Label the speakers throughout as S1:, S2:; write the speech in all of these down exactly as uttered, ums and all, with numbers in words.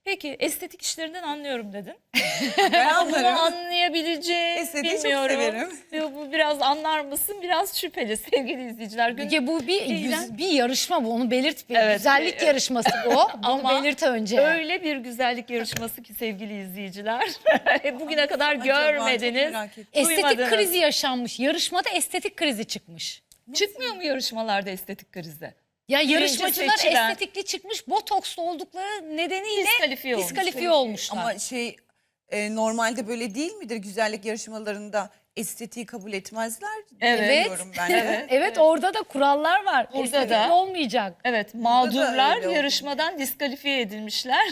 S1: Peki estetik işlerinden anlıyorum dedin.
S2: Ben
S1: Ama bunu
S2: anlarım.
S1: anlayabileceğim
S2: Estetiği çok
S1: bilmiyorum.
S2: severim.
S1: Ve bu biraz anlar mısın? Biraz şüpheli sevgili izleyiciler. Gün...
S3: Müge, bu bir
S1: İğren-
S3: yüz- bir yarışma, bu onu belirt. Bir
S1: Evet,
S3: güzellik
S1: e-
S3: yarışması bu. Bunu
S1: Ama
S3: belirt önce.
S1: öyle bir güzellik yarışması ki sevgili izleyiciler. Bugüne kadar
S2: Acaba, çok
S1: görmediniz.
S2: merak ettim.
S3: Estetik
S1: duymadınız.
S3: krizi yaşanmış. Yarışmada estetik krizi çıkmış.
S1: Çıkmıyor mu yarışmalarda estetik krizi?
S3: Ya
S1: Birinci
S3: yarışmacılar
S1: seçilen-
S3: estetikli çıkmış, botokslu oldukları nedeniyle
S1: Diskalifiye olmuş.
S3: diskalifiye olmuşlar.
S2: Ama şey e, normalde böyle değil midir? Güzellik yarışmalarında estetiği kabul etmezler.
S1: Evet.
S2: Diyorum ben de.
S3: evet, orada da kurallar var.
S1: Orada
S3: Estetik
S1: da-
S3: olmayacak.
S1: Evet,
S2: öyle
S1: mağdurlar
S2: oldu.
S1: yarışmadan diskalifiye edilmişler.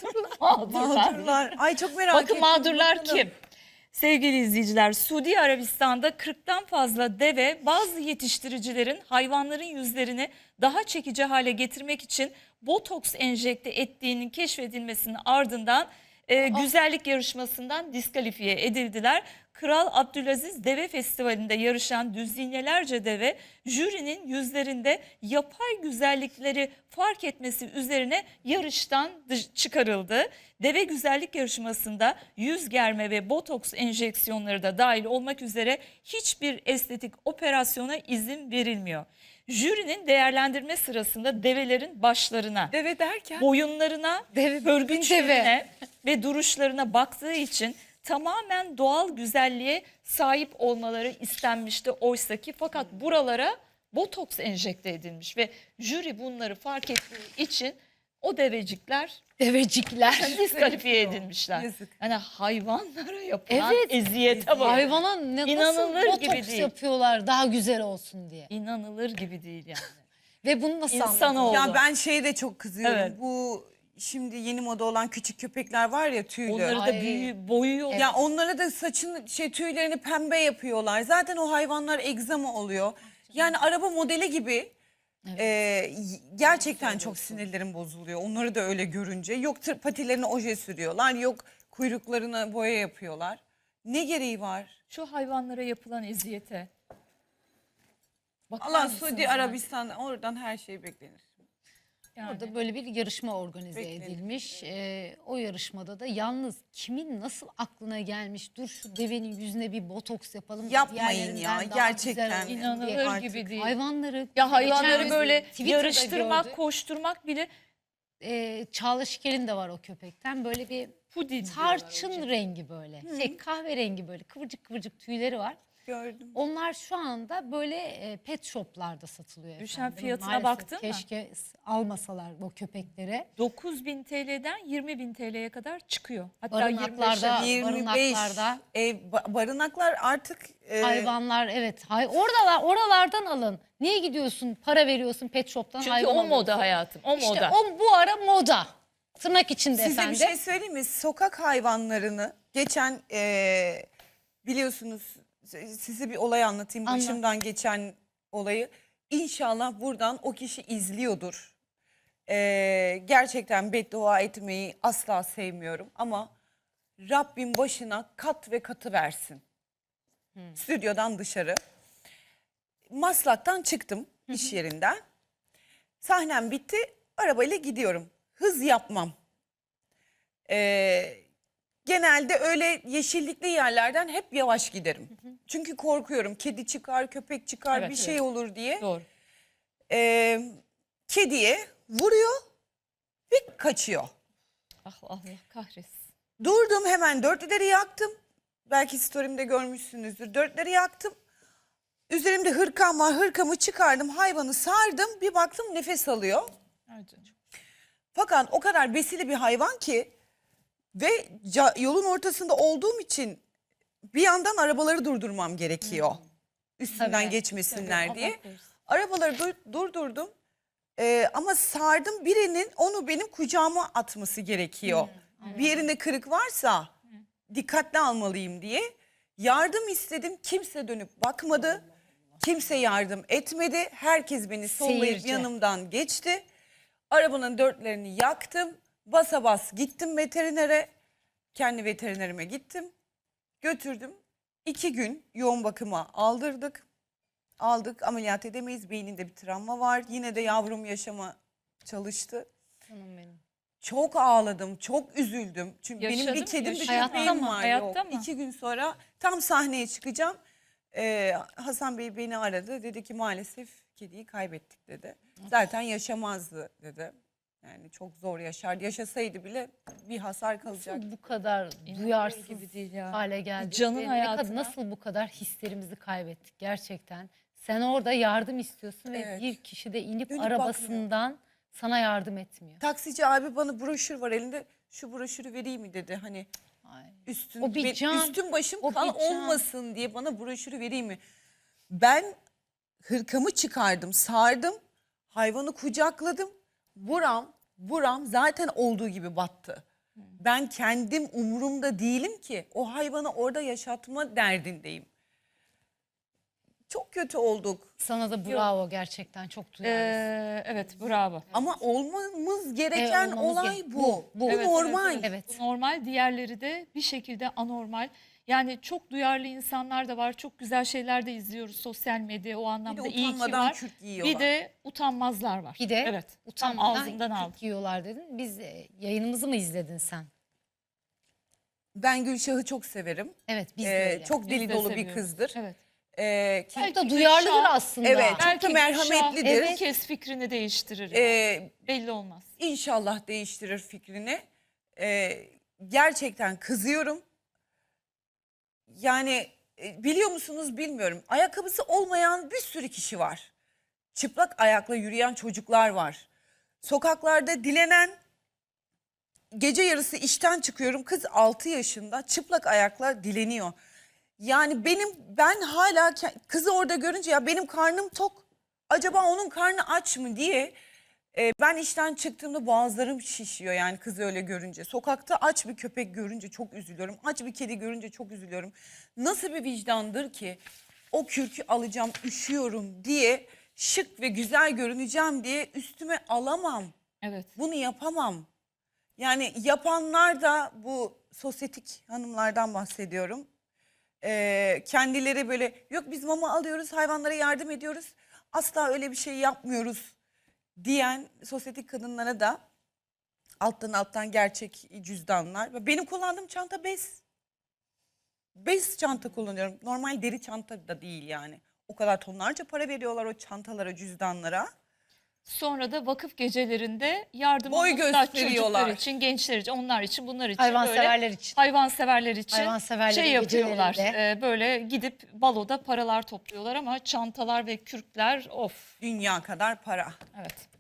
S1: Mağdurlar.
S2: Mağdurlar. Ay çok merak
S1: Bakın
S2: ettim.
S1: mağdurlar
S2: Bakalım.
S1: kim? Sevgili izleyiciler, Suudi Arabistan'da kırktan fazla deve bazı yetiştiricilerin hayvanların yüzlerini daha çekici hale getirmek için botoks enjekte ettiğinin keşfedilmesinin ardından e, güzellik yarışmasından diskalifiye edildiler. Kral Abdülaziz Deve Festivali'nde yarışan düzinelerce deve jürinin yüzlerinde yapay güzellikleri fark etmesi üzerine yarıştan dış- çıkarıldı. Deve güzellik yarışmasında yüz germe ve botoks enjeksiyonları da dahil olmak üzere hiçbir estetik operasyona izin verilmiyor. Jürinin değerlendirme sırasında develerin başlarına,
S2: Deve derken?
S1: boyunlarına,
S3: Deve,
S1: hörgüçlerine ve duruşlarına baktığı için tamamen doğal güzelliğe sahip olmaları istenmişti oysaki, fakat buralara botoks enjekte edilmiş ve jüri bunları fark ettiği için o devecikler
S3: Devecikler.
S1: diskalifiye edilmişler.
S2: Yazık.
S1: Yani hayvanlara yapılan
S3: Evet.
S1: eziyete bak.
S3: Hayvana ne, nasıl
S1: İnanılır
S3: botoks
S1: gibi değil.
S3: yapıyorlar daha güzel olsun diye.
S1: İnanılır gibi değil yani.
S3: Ve bunu nasıl
S1: İnsan
S3: anladın?
S1: oldu.
S2: Ya ben şeye de çok kızıyorum.
S1: Evet.
S2: Bu şimdi yeni moda olan küçük köpekler var ya, tüylü.
S1: Onları da
S3: Ay.
S1: büyü, boyuyor.
S2: Ya onlara da saçını şey tüylerini pembe yapıyorlar. Zaten o hayvanlar egzama oluyor. Yani araba modeli gibi. Ee, y- gerçekten çok sinirlerim bozuluyor. Onları da öyle görünce. Yok tır- patilerine oje sürüyorlar. Yok kuyruklarına boya yapıyorlar. Ne gereği var?
S1: Şu hayvanlara yapılan eziyete. Bakar
S2: Allah,
S1: mısınız
S2: Suudi
S1: yani?
S2: Arabistan, oradan her şey beklenir.
S1: Yani.
S3: Orada böyle bir yarışma organize
S2: Beklenir.
S3: edilmiş. Ee, o yarışmada da yalnız kimin nasıl aklına gelmiş, dur şu devenin yüzüne bir botoks yapalım.
S2: Yapmayın
S3: diğerlerinden
S2: ya,
S3: daha
S2: gerçekten.
S3: güzel olsun diye.
S1: İnanılır
S2: Artık
S1: gibi değil.
S3: Hayvanları,
S1: Ya hayvanları
S3: geçen
S1: böyle
S3: Twitter'da
S1: yarıştırmak,
S3: gördük.
S1: koşturmak bile
S3: Ee, Çağla Şikel'in de var o köpekten. Böyle bir
S1: puding.
S3: tarçın rengi böyle. Şey, kahverengi böyle kıvırcık kıvırcık tüyleri var.
S2: Gördüm.
S3: Onlar şu anda böyle e, pet shoplarda satılıyor.
S1: Düşen
S3: efendim.
S1: fiyatına
S3: Maalesef
S1: baktın mı?
S3: Keşke almasalar o köpeklere.
S1: dokuz bin T L'den yirmi bin T L'ye kadar çıkıyor. Hatta
S3: Barınaklarda-
S1: yirmi beşe.
S2: yirmi beş
S3: barınaklarda-
S2: ev, ba- barınaklar artık e,
S3: Hayvanlar, evet. Hay oradalar, oralardan alın. Niye gidiyorsun? Para veriyorsun pet shop'tan
S1: Çünkü
S3: hayvan
S1: o
S3: alıyorsun.
S1: moda hayatım. O
S3: İşte
S1: moda.
S3: o bu ara moda. Tırnak içinde
S2: size
S3: efendim.
S2: bir şey söyleyeyim mi? Sokak hayvanlarını geçen e, biliyorsunuz, size bir olay anlatayım.
S3: Anlat.
S2: Başımdan geçen olayı. İnşallah buradan o kişi izliyordur. E, gerçekten beddua etmeyi asla sevmiyorum ama Rabbim başına kat ve katı versin. Stüdyodan dışarı. Maslak'tan çıktım iş yerinden. Sahnem bitti. Arabayla gidiyorum. Hız yapmam. Ee, genelde öyle yeşillikli yerlerden hep yavaş giderim. Çünkü korkuyorum. Kedi çıkar, köpek çıkar,
S1: Evet,
S2: bir şey
S1: evet.
S2: olur diye.
S1: Doğru.
S2: Ee, kediye vuruyor ve kaçıyor.
S1: Ah Allah kahretsin.
S2: Durdum, hemen dörtlüleri yaktım. Belki story'imde görmüşsünüzdür. Dörtleri yaktım. Üzerimde hırkam var. Hırkamı çıkardım. Hayvanı sardım. Bir baktım nefes alıyor.
S1: Ay canım.
S2: Fakat o kadar besili bir hayvan ki ve ca- yolun ortasında olduğum için bir yandan arabaları durdurmam gerekiyor. Üstünden
S3: Tabii,
S2: geçmesinler
S1: tabii.
S2: diye.
S1: Allah korusun.
S2: Arabaları dur- durdurdum. Ee, ama sardım, birinin onu benim kucağıma atması gerekiyor. Bir yerinde kırık varsa dikkatli almalıyım diye. Yardım istedim, kimse dönüp bakmadı. Kimse yardım etmedi. Herkes beni sollayıp
S3: Seyirci.
S2: yanımdan geçti. Arabanın dörtlerini yaktım. Basa bas gittim veterinere. Kendi veterinerime gittim. Götürdüm. İki gün yoğun bakıma aldırdık. Aldık, ameliyat edemeyiz. Beyninde bir travma var. Yine de yavrum yaşama çalıştı.
S3: Canım benim.
S2: Çok ağladım, çok üzüldüm. Çünkü
S1: Yaşadı
S2: benim bir
S1: mı?
S2: kedim bir
S1: Yaşıyor
S3: mu?
S2: köpeğim var.
S1: Hayatta
S2: Yok.
S1: mı?
S2: İki gün sonra tam sahneye çıkacağım. Ee, Hasan Bey beni aradı. Dedi ki maalesef kediyi kaybettik dedi. Zaten yaşamazdı dedi. Yani çok zor yaşardı. Yaşasaydı bile bir hasar kalacaktı.
S3: Bu kadar
S1: İnanılır
S3: duyarsız
S1: gibi değil ya.
S3: hale geldik.
S1: Canın
S3: ve ne
S1: hayatına.
S3: kadar, nasıl bu kadar hislerimizi kaybettik gerçekten. Sen orada yardım istiyorsun ve
S2: Evet.
S3: bir kişi de inip
S2: Dönüp
S3: arabasından sana yardım etmiyor.
S2: Taksici abi bana broşür var elinde. Şu broşürü vereyim mi dedi. Hani
S3: Ay.
S2: üstün,
S3: O bir
S2: be-
S3: can,
S2: üstüm başım
S3: o
S2: kan
S3: bir can.
S2: olmasın diye bana broşürü vereyim mi? Ben hırkamı çıkardım, sardım, hayvanı kucakladım. Buram, buram zaten olduğu gibi battı. Ben kendim umurumda değilim ki. O hayvanı orada yaşatma derdindeyim. Çok kötü olduk.
S3: Sana da bravo, gerçekten çok duyarlısın.
S1: Ee, evet bravo.
S2: Ama olmamız gereken
S3: Evet, olmamız
S2: olay
S3: ge-
S2: bu.
S3: bu,
S2: Bu,
S3: bu.
S1: Evet,
S2: normal.
S1: evet,
S3: Evet.
S1: Bu normal, diğerleri de bir şekilde anormal. Yani çok duyarlı insanlar da var. Çok güzel şeyler de izliyoruz sosyal medya, o anlamda iyi ki
S2: utanmadan
S1: var.
S2: kürk giyiyorlar.
S1: Bir de utanmazlar var.
S3: Bir de
S1: evet, tam
S3: utanmadan
S1: ağzımdan aldım.
S3: kürk yiyorlar dedin. Biz e, yayınımızı mı izledin sen?
S2: Ben Gülşah'ı çok severim.
S3: Evet, biz de
S2: Ee,
S3: öyle.
S2: çok
S1: Biz
S2: deli
S1: de
S2: dolu bir
S1: seviyoruz.
S2: kızdır.
S1: Evet.
S2: Ee, ki-
S3: Belki de duyarlıdır
S1: Şah-
S3: aslında.
S2: Evet. Çok da
S1: Belki
S2: merhametlidir.
S1: Şah
S3: Evet.
S1: herkes fikrini değiştirir.
S2: Ee,
S1: Belli olmaz.
S2: İnşallah değiştirir fikrini. Ee, gerçekten kızıyorum. Yani e, biliyor musunuz bilmiyorum. Ayakkabısı olmayan bir sürü kişi var. Çıplak ayakla yürüyen çocuklar var. Sokaklarda dilenen, gece yarısı işten çıkıyorum. Kız altı yaşında çıplak ayakla dileniyor. Yani benim ben hala ke- kızı orada görünce ya benim karnım tok. Acaba onun karnı aç mı diye e, ben işten çıktığımda boğazlarım şişiyor yani kızı öyle görünce. Sokakta aç bir köpek görünce çok üzülüyorum. Aç bir kedi görünce çok üzülüyorum. Nasıl bir vicdandır ki o kürkü alacağım, üşüyorum diye, şık ve güzel görüneceğim diye üstüme alamam.
S1: Evet.
S2: Bunu yapamam. Yani yapanlar da bu sosyetik hanımlardan bahsediyorum. Ee, kendileri böyle yok biz mama alıyoruz, hayvanlara yardım ediyoruz. Asla öyle bir şey yapmıyoruz diyen sosyetik kadınlara da alttan alttan gerçek cüzdanlar. Ve benim kullandığım çanta bez. Bez çanta kullanıyorum. Normal deri çanta da değil yani. O kadar tonlarca para veriyorlar o çantalara, cüzdanlara.
S1: Sonra da vakıf gecelerinde yardıma
S2: Boy
S1: muhtaç
S2: gösteriyorlar.
S1: çocuklar için, gençler için, onlar için, bunlar için
S3: Hayvanseverler
S1: böyle
S3: için.
S1: hayvanseverler için
S3: Hayvanseverlerin
S1: şey yapıyorlar.
S3: gecelerinde.
S1: e, böyle gidip baloda paralar topluyorlar ama çantalar ve kürkler of.
S2: Dünya kadar para.
S1: Evet.